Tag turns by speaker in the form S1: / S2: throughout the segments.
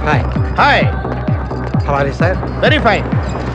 S1: Hi
S2: hi.
S1: How are you sir?
S2: Very fine.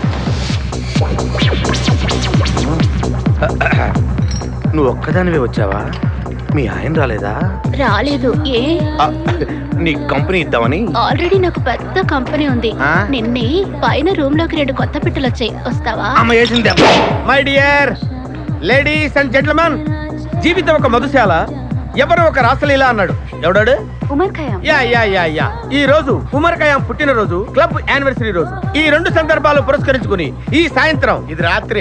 S2: నువ్వు ఒక్కదానివే వచ్చావా? మీ ఆయన రాలేదా?
S3: రాలేదు. ఏ?
S2: నీ కంపెనీ ఇద్దామని.
S3: ఆల్రెడీ నాకు పెద్ద కంపెనీ ఉంది. నిన్నే పైన రూమ్ లోకి 2 కొత్త పిట్టలు వచ్చాయి, వస్తావా?
S2: My dear ladies and gentlemen, జీవితం ఒక మధుశాల, ఎవరు ఒక రాసలీల అన్నాడు. ఎవడాడు?
S3: Omar Khayyam.
S2: Yeah yeah yeah yeah. ఈ రోజు ఉమర్ ఖయాం పుట్టినరోజు, క్లబ్ యానివర్సరీ రోజు. ఈ 2 సందర్భాలు పురస్కరించుకుని ఈ సాయంత్రం, ఇది రాత్రి,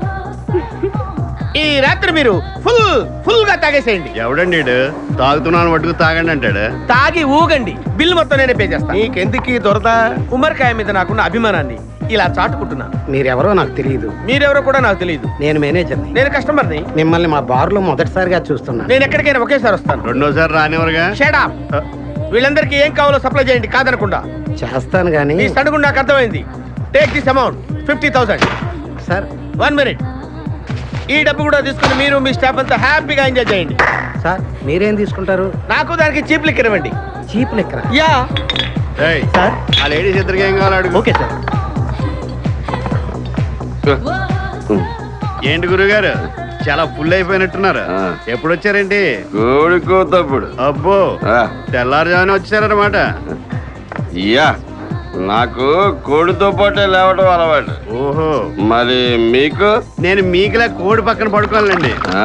S2: ఈ రాత్రి మీరు ఫుల్ గా తాగేసేయండి.
S4: ఎవడండి తాగుతున్నాను మటుకు తాగండి అంటాడు.
S2: తాగి ఊగండి, బిల్లు మొత్తం నేనే పే చేస్తాను.
S1: నీకెందుకు ఈ దొరద?
S2: ఉమర్ ఖయాం మీద నాకున్న అభిమానాన్ని ఇలా చాటుకుంటున్నాను.
S1: మీరెవరో నాకు తెలియదు.
S2: మీరెవరో కూడా నాకు తెలియదు.
S1: నేను మేనేజర్ని.
S2: నేను కస్టమర్ని.
S1: మిమ్మల్ని మా బార్లో మొదటిసారిగా చూస్తున్నాను.
S2: నేను ఎక్కడికైనా ఒకేసారి వస్తాను.
S4: రెండోసారి రానివరుగా.
S2: Shut up. వీళ్ళందరికీ ఏం కావాలో సప్లై చేయండి, కాదనకుండా.
S1: చేస్తాను కానీ
S2: ఈ సడుగు నాకు అర్థమైంది. Take this amount 50,000.
S1: Sir
S2: 1 minute. ఈ డబ్బు కూడా తీసుకుని మీరు మీ స్టాఫ్ అంతా హ్యాపీగా ఎంజాయ్ చేయండి.
S1: సార్ మీరేం తీసుకుంటారు?
S2: నాకు దానికి చీప్ లిక్కర్ ఇవ్వండి.
S1: చీప్ లెక్కరా?
S2: యా.
S4: ఏయ్,
S1: సార్
S4: ఆ లేడీస్ ఇద్దరికి ఏం కావాలి అడుగు.
S1: Okay sir.
S4: ఏంటి గురుగారు చాలా ఫుల్ అయిపోయినట్టున్నారు. ఎప్పుడు వచ్చారేంటి?
S5: కోడికోతప్పుడు
S4: అబ్బో, తెల్లారుజామున వచ్చారన్నమాట.
S5: యా, నాకు కోడితో పాటే లేవడం అలవాటు.
S4: ఓహో,
S5: మరి మీకు?
S4: నేను మీకులా కోడి పక్కన పడుకోవాలండి.
S5: ఆ?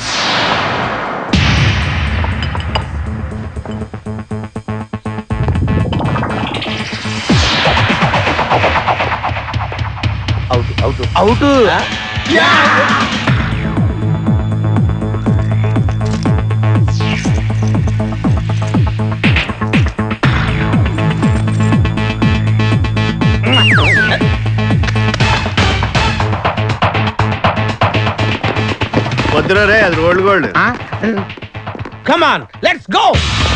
S2: అవుట్.
S4: వద్దురా రే, అది rolled gold.
S2: Come on, let's go.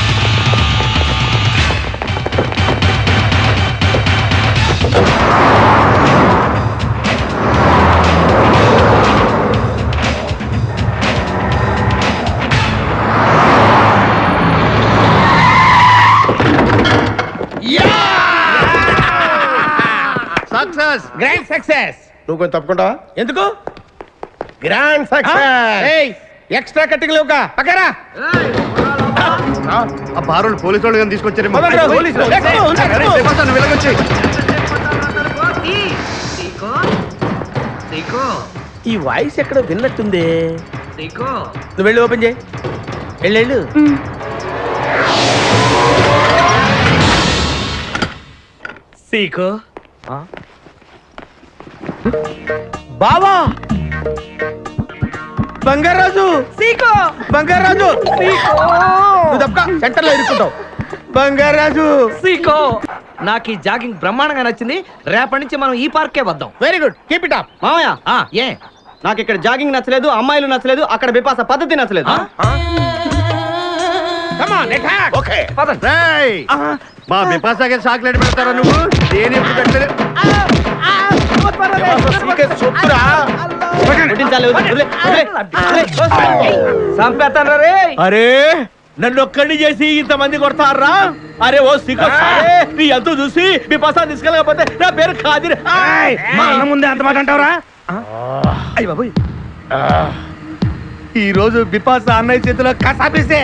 S4: Success,
S2: grand success.
S1: నువ్వు కొంచెం తప్పుకుంటావా?
S2: ఎందుకు?
S1: Grand success.
S2: ఎక్స్ట్రా కట్టింగ్ లేవుగా పక్కరా.
S4: ఆ బారోళ్ళు పోలీసు వాళ్ళు కానీ తీసుకొచ్చారేమో.
S2: పదండ్రా, పోలీసులు. Let's go, let's go.
S4: వెళ్ళగొచ్చి
S2: ఈ వాయిస్ ఎక్కడో విన్నట్టుంది. నువ్వు వెళ్ళి ఓపెన్ చేయి. వెళ్ళు. సీకో బావా, బంగారాజు. సీకో బంగారాజు. నువ్వు తప్పక సెంటర్ లో ఇరుక్కుంటావు. బంగారాజు.
S6: సీకో, నాకు ఈ జాగింగ్ బ్రహ్మాండంగా నచ్చింది. రేపటి నుంచి మనం ఈ పార్కే వద్దాం.
S2: Very good, keep it up.
S6: మామయ్య, ఏ నాకు ఇక్కడ జాగింగ్ నచ్చలేదు, అమ్మాయిలు నచ్చలేదు, అక్కడ బిపాస పద్ధతి నచ్చలేదు.
S2: Come on, attack. ఓకే
S4: రేయ్, మా బిపాసాకి చాక్లెట్ పెడతారా నువ్వు? దేని ఎప్పుడు పెట్టలేదు.
S6: చంపేస్తాను రే.
S2: అరే, నన్ను ఒక్కడిని చేసి ఇంతమంది కొడతారా? అరే ఓ సిగ్గు, నీ ఎంతో చూసి మీ పసా తీసుకెళ్ళకపోతే నా పేరు ఖాదిర్.
S1: మా అన్న ముందే అంత మాట అంటావురా?
S2: అయ్య బాబోయ్, ఈ రోజు బిపాసా అన్నయ్య చేతిలో కసాపిస్తే.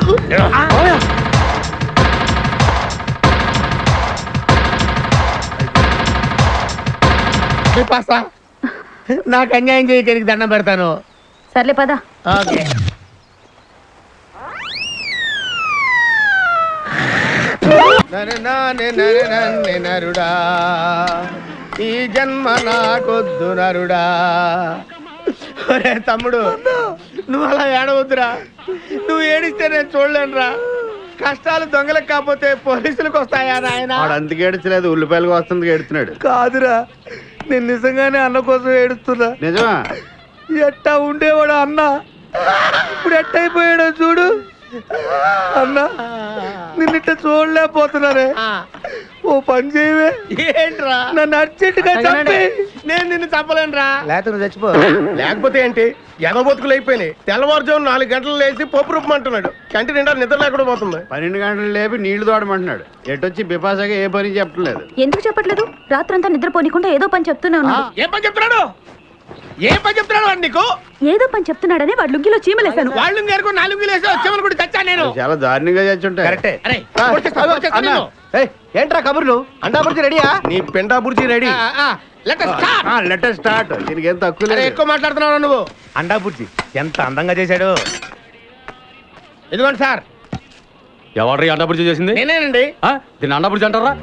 S2: బిపాసా, నాకు అన్యాయం చేయడానికి దండం పెడతాను.
S3: సర్లే పద.
S2: ఓకే. నరుడా, ఈ జన్మ నాకొద్దు నరుడా. ఒరే తమ్ముడు, నువ్వు అలా ఏడవద్దురా. నువ్వు ఏడిస్తే నేను చూడలేనురా. కష్టాలు దొంగలకు కాకపోతే పోలీసులకు వస్తాయా నాయన?
S4: వాడు అందుకే ఏడ్చలేదు, ఉల్లిపాయలకు వస్తుంది ఏడుతున్నాడు.
S2: కాదురా, నేను నిజంగానే అన్న కోసం ఏడుస్తున్నా.
S4: నిజమా?
S2: ఎట్టా ఉండేవాడు అన్న, ఇప్పుడు ఎట్టయిపోయాడో చూడు. అన్న, నిన్నిట్ట చూడలేకపోతున్నారే. ఓ పని చేయవే.
S1: ఏంట్రా
S2: నన్ను అర్జెంటుగా చంపే. నేను నిన్ను చంపలేనురా.
S1: లేకపోతే నువ్వు చచ్చిపో. లేకపోతే ఏంటి ఎదబొతుకులు అయిపోయినాయి. తెల్లవారుజాము 4 గంటలు లేచి పప్పు రూపమంటున్నాడు. కంటి నిండా నిద్ర లేకుండా పోతుంది.
S4: 12 గంటలు లేపి నీళ్లు తోడమంటున్నాడు. ఎటొచ్చి బిపాసగా ఏ పని చెప్పట్లేదు.
S7: ఎందుకు చెప్పట్లేదు? రాత్రంతా నిద్రపోనీకుండా ఏదో పని చెప్తూనే ఉన్నాడు.
S2: ఏం పని చెప్తున్నాడు? ఏం పని చెప్తున్నాడు వాడు నీకు?
S7: ఏదో పని చెప్తున్నాడని వాడు లుంగిలో చీమలేశాను.
S2: వాళ్ళు గారు 4 లేసి వచ్చేమని కూడా చచ్చా నేను.
S4: చాలా దారుణంగా చచ్చుంటాయి.
S1: కరెక్టే.
S2: అరే కొట్టేస్తా నిన్ను.
S1: ఏంట్రా కబుర్లు? అండా బుర్జీ రెడీయా? నీ పెండా bhurji ready.
S2: Let us start.
S4: Letter start. దీనికి ఏం తక్కువ
S2: అరే
S4: లేదు.
S2: ఎక్కువ మాట్లాడుతున్నావు నువ్వు.
S1: అండా బుర్జీ ఎంత అందంగా చేశాడు.
S2: ఇదిగోండి సార్.
S8: ఎవరు అండాపురి చేసింది?
S2: నేనేనండి.
S8: దీన్ని అండాపురి అంటారా?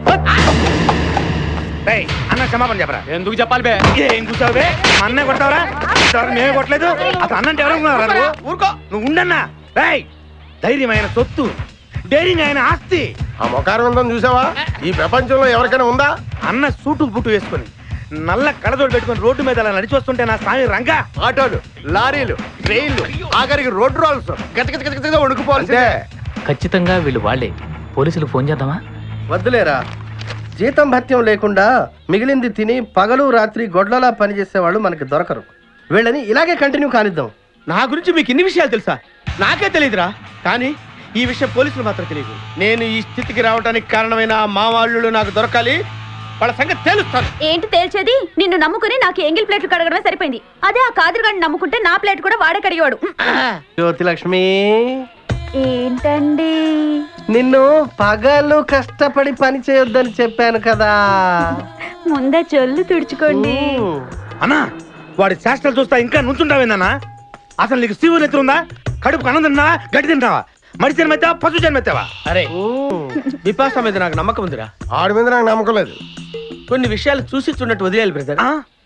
S1: రేయ్, అన్న క్షమాపణ చెప్పరా.
S8: ఎందుకు చెప్పాలి బే?
S1: ఏం కూర్చోవు బే? మా అన్నే కొడతావరా? ఇంతవరకు మేమే కొట్టలేదు. అసలు అన్నంటే ఎవరనుకున్నారా నువ్వు?
S2: ఊరుకో.
S1: నువ్వు ఉండన్నా. రేయ్, ధైర్యమైన సొత్తు, డైరింగ్ అయిన ఆస్తి. ఆ మొకారం ఉందని చూసావా? ఈ ప్రపంచంలో ఎవరికైనా ఉందా? అన్న సూటు బుట్టు వేసుకొని నల్ల కళ్ళజోడు పెట్టుకొని రోడ్డు మీద అలా నడిచి వస్తుంటే నా స్వామి రంగా.
S4: ఆటోలు, లారీలు, ట్రైన్లు, ఆఖరికి రోడ్ రోల్స్ గతగతగతగా వణుకుపోవాల్సిందే.
S9: ఖచ్చితంగా వీళ్ళు వాళ్ళే. పోలీసులకు ఫోన్ చేద్దామా?
S1: వద్దులేరా, జీతం భత్యం లేకుండా మిగిలింది తిని పగలు రాత్రి గొడ్లలా పనిచేసేవాళ్ళు మనకి దొరకరు. వీళ్ళని ఇలాగే కంటిన్యూ కానిద్దాం.
S2: నా గురించి మీకు ఇన్ని విషయాలు తెలుసా? నాకే తెలియదురా. కానీ ఈ విషయం పోలీసులు మాత్రం తెలియదు. నేను ఈ స్థితికి రావడానికి కారణమైన మా వాళ్ళు నాకు దొరకాలి. వాళ్ళ సంగతి తెలుస్తాను.
S7: ఏంటి తేల్చేది? నిన్ను నమ్ముకుని నాకు ఎంగిల్ ప్లేట్లు కడగడమే సరిపోయింది. అదే ఆ కాదురుగాడిని నమ్ముకుంటే నా ప్లేట్ కూడా వాడే కడిగేవాడు.
S1: జ్యోతిలక్ష్మి,
S7: ఏంటండి?
S1: నిన్ను పగలు కష్టపడి పని చేయొద్దని చెప్పాను కదా.
S7: ముందే చొల్లు తుడుచుకోండి.
S1: అన్నా, వాడి చేష్టలు చూస్తా ఇంకా నుంచుంటావేందన్నా? అసలు నీకు శివుని ఎత్తురుందా? కడుపు అన్నం తిన్నావా, గడ్డి తింటావా? మడి జన్మెత్తావా, పశు జన్మెత్తావా?
S2: అరే విపాస మీద నాకు నమ్మకం ఉందిరా.
S1: ఆడి మీద నాకు నమ్మకం లేదు.
S2: కొన్ని విషయాలు చూసి చూడట్టు వదిలేయాలి బ్రదర్.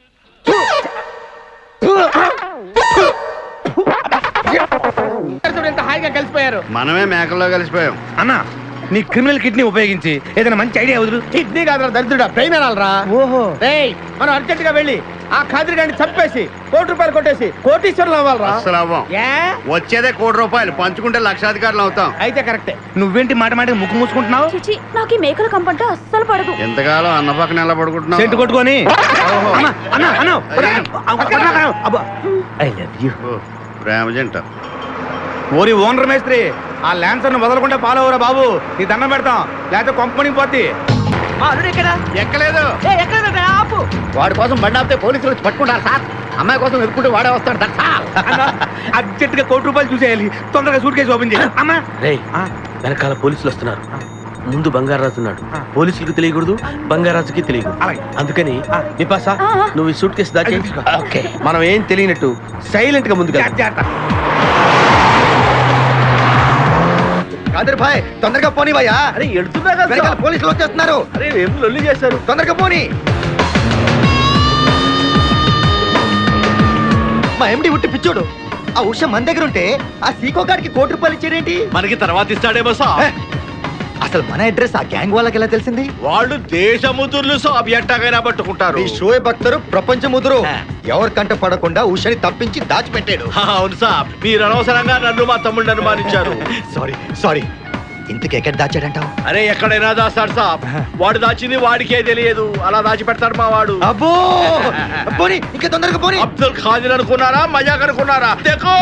S2: ఎంత హాయిగా కలిసిపోయారు.
S4: మనమే మేకల్లో కలిసిపోయాం.
S1: అన్నా, నీ క్రిమినల్ కిడ్నీ ఉపయోగించి ఏదైనా మంచి ఐడియా వదులు.
S2: కిడ్నీ కాదురా దరిద్రుడా, బ్రెయిన్ అనాలరా.
S1: ఓహో,
S2: రేయ్, మనం అర్జెంట్ గా వెళ్ళి ఆ ఖాదిరి గారిని చంపేసి ₹1,00,000 కొట్టేసి కోటీశ్వరులు అవ్వాలరా.
S4: అస్సలు అవ్వం.
S2: ఏ?
S4: వచ్చేదే ₹1,00,00,000 పంచుకుంటే లక్షాధికారులు అవుతాం.
S2: అయితే కరెక్టే.
S1: నువ్వేంటి మాట మాటకి ముక్కు మూసుకుంటున్నావు?
S7: చిచి, నాకు ఈ మేకల కంపంటే అస్సలు పడదు.
S4: ఎంతకాలం అన్న పక్కన ఎలా పడుకుంటున్నావు?
S1: సెంటు కొట్టుకొని. అన్నా, అన్నా, అన్నా, అబ్బా. I love you.
S4: ఓ, ప్రేమ జంట.
S1: ఓరి ఓనర్ మేస్త్రి, ఆ ల్యాన్సర్ ను వదలకుండా ఫాలో అవరా బాబు. నీ దండం పెడతాం, లేకపోతే కొంపని పోద్ది.
S4: ఎక్కలేదు.
S6: ఆపు.
S4: వాడి కోసం బండి ఆపితే పోలీసులు వచ్చి పట్టుకుంటారు సార్. అమ్మాయి కోసం ఎదుర్కొంటే వాడే వస్తాడు.
S1: అర్జెంట్ గా ₹1,00,00,000 చూసేయాలి. తొందరగా సూట్ కేసు ఓపెన్ చేయాలి. అమ్మా,
S2: రేయ్, వెనకాల పోలీసులు వస్తున్నారు. ముందు బంగారాజు ఉన్నాడు. పోలీసులకు తెలియకూడదు, బంగారాజుకి తెలియకూడదు.
S1: అలాగే.
S2: అందుకని నిపాసా, నువ్వు ఈ సూట్ కేసు దాచి
S1: తీసుకో.
S2: ఓకే. మనం ఏం తెలియనట్టు సైలెంట్ గా ముందుగా
S1: కాదర్ భాయ్, తొందరగా పోనీ భయ్యా.
S2: అరే ఎడుతున్నా కదా,
S1: పోలీసులు వచ్చేస్తున్నారు.
S2: అరే ఏం లొల్లి చేశారు.
S1: తొందరగా పోనీ. మా ఎండి ఉట్టి పిచ్చోడు. ఆ ఉష మన దగ్గర ఉంటే ఆ సీకో గారికి ₹1,00,00,000 ఇచ్చారేంటి?
S8: మనకి తర్వాత ఇస్తాడేమో సాబ్.
S1: అసలు మన అడ్రస్ ఆ గ్యాంగ్ వాళ్ళకి ఎలా తెలిసింది?
S8: వాళ్ళు దేశముతుర్లు సాబ్ ఎట్టగైనా పట్టుకుంటారు.
S1: ఈ షోయబ్ అఖ్తర్ ప్రపంచ ముదురు ఎవరికంట పడకుండా ఉషని తప్పించి దాచిపెట్టాడు.
S8: అవును సాబ్, మీరు అనవసరంగా నన్ను మా తమ్ముడిని అనుమానించారు.
S1: సారీ ఇంతకు ఎక్కడ దాచాడంటావు?
S8: అరే ఎక్కడైనా దాస్తాడు సాబ్. వాడు దాచింది వాడికే తెలియదు, అలా దాచి పెడతాడు మా వాడు.
S1: అబ్బో, పోనీ ఇంకా తొందరగా పోనీ.
S8: అబ్దుల్ ఖాదిర్ అనుకున్నారా, మజాక్ అనుకున్నారా? దేఖో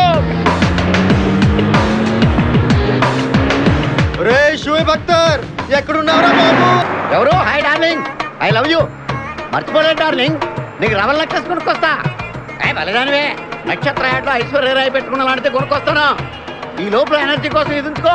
S1: రే షోయబ్ అఖ్తర్, ఎక్కడున్నావురా బాబు?
S4: ఎవరు? Hi darling, I love you. మర్చిపోలేదు డార్లింగ్, నీకు రవల్ నెక్లెస్ కొనుక్కొస్తా. బలిదానివే, నక్షత్ర యాడ్లో ఐశ్వర్యరాయ్ పెట్టుకున్న లాంటిది కొనుక్కొస్తాను. ఈ లోపల ఎనర్జీ కోసం ఎదుంచుకో.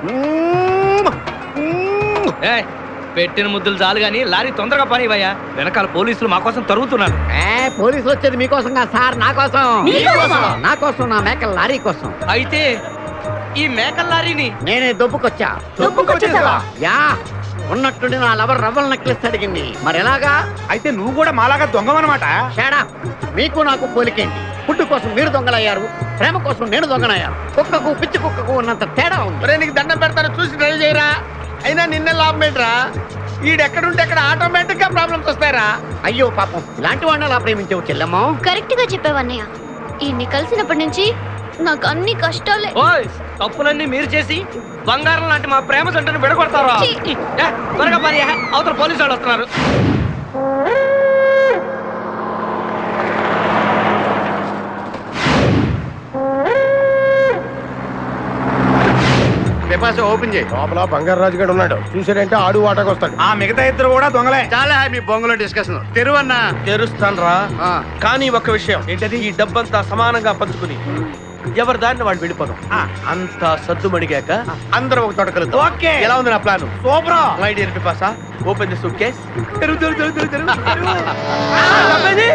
S6: పెట్టిన ముద్దులు చాలు గాని లారీ తొందరగా పని ఇవ్వయ్యా. వెనకాల పోలీసులు మా కోసం తరుగుతున్నారు.
S4: పోలీసులు వచ్చేది మీకోసం కాదు సార్, నా కోసం. నా కోసం, నా మేకల లారీ కోసం.
S6: అయితే ఈ మేకల లారీని
S4: నేనే దొబ్బుకొచ్చా.
S7: దొబ్బుకొచ్చేసావా?
S4: యా, ఉన్నట్టుండి నా లవర్ రవ్వల్ నెక్లెస్ అడిగింది. మరి ఎలాగా?
S1: అయితే నువ్వు కూడా మాలాగా దొంగవన్నమాట.
S4: షాడా, మీకు నాకు పోలికేంటి? ఫుడ్ కోసం మీరు దొంగలయ్యారు, ప్రేమ కోసం నేను దొంగనయ్యాను. కుక్కకు పిచ్చి కుక్కకు ఉన్నంత తేడా ఉంది.
S2: ఒరే నీకు దండం పెడతాను, చూసి డ్రైవ్ చేయరా. అయినా నిన్నే లాభం ఏంట్రా? ఈడెక్కడుంటే అక్కడ ఆటోమేటిక్ గా ప్రాబ్లమ్స్ వస్తాయరా.
S4: అయ్యో పాపం, ఇలాంటి వాడిని అలా ప్రేమించావు చెల్లెమ్మో.
S3: కరెక్ట్ గా చెప్పావన్నయ్య. ఈయన్ని కలిసినప్పటి నుంచి నాకు అన్ని కష్టాలే.
S6: ఓయ్, తప్పులన్నీ మీరు చేసి బంగారం లాంటి మా ప్రేమ జంటను విడగొడతారా ఏ, త్వరగా పని అవతల పోలీసు వాళ్ళు వస్తున్నారు.
S4: ఓపెన్ చేయి.
S1: లోపల బంగారు రాజు గడు ఉన్నాడు, చూసాడంటే ఆడు వాటకు వస్తాడు. ఆ మిగతా ఇద్దరు కూడా దొంగలే.
S4: చాలా మీ బొంగులో డిస్కషన్ తెరువన్నా.
S2: తెరుస్తాను రా, కానీ ఒక విషయం ఏంటది, ఈ డబ్బంతా సమానంగా పంచుకుని ఎవరి దారిని వాళ్ళు వెళ్ళిపోదాం. అంతా సద్దుమడిగాక అందరం ఒక తోట కలుద్దాం.
S1: ఓకే.
S2: ఎలా ఉంది నా plan?
S1: Super.
S2: My dear Pipasa, open the suitcase. తెరువు.